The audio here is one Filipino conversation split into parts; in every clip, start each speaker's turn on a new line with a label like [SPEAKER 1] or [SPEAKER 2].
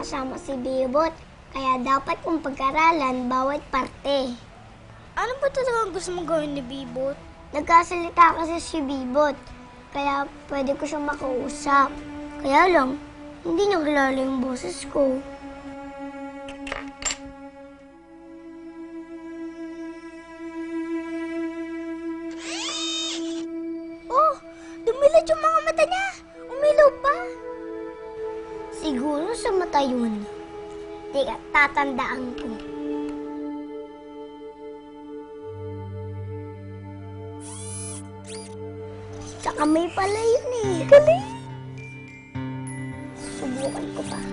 [SPEAKER 1] kasama si Bibot. Kaya dapat kong pag-aralan bawat parte.
[SPEAKER 2] Ano ba talagang gusto mong gawin ni Bibot?
[SPEAKER 1] Nagkasalita kasi si Bibot. Kaya pwede ko siyang makausap. Kaya lang, hindi niya kilala yung boses ko.
[SPEAKER 2] Oh, dumilad yung mga mata niya. Umilaw pa.
[SPEAKER 1] Siguro sa mata yun. Teka, tatandaan ko. Sa kamay pala yun eh. Galing! Subukan ko pa.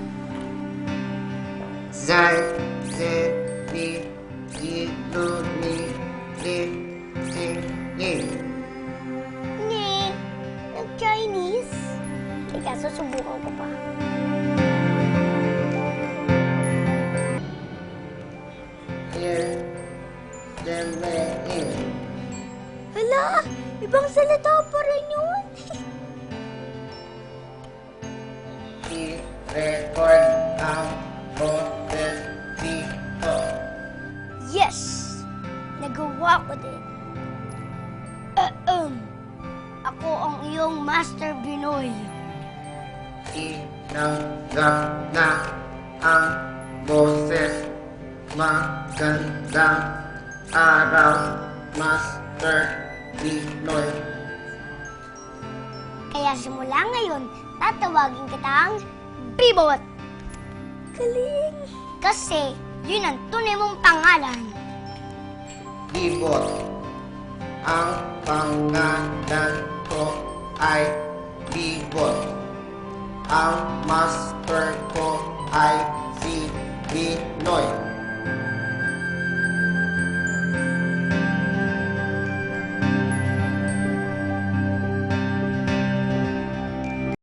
[SPEAKER 3] Zai, ze, ni, lu, ni, li, ting, ni.
[SPEAKER 1] Ni, nag-Chinese. Teka, susubukan ko pa.
[SPEAKER 3] Here, there, in.
[SPEAKER 2] Hala, ibang salita pa rin yun.
[SPEAKER 3] I-record ang boses dito.
[SPEAKER 2] Yes! Nagawa ko din.
[SPEAKER 1] Ako ang iyong Master Binoy.
[SPEAKER 3] Tinanggap na ang boses. Magandang araw, Master Pinoy.
[SPEAKER 1] Kaya simula ngayon, tatawagin kitang Bibot.
[SPEAKER 2] Galing!
[SPEAKER 1] Kasi yun ang tunay mong pangalan.
[SPEAKER 3] Bibot. Ang pangalan ko ay Bibot. Ang master ko ay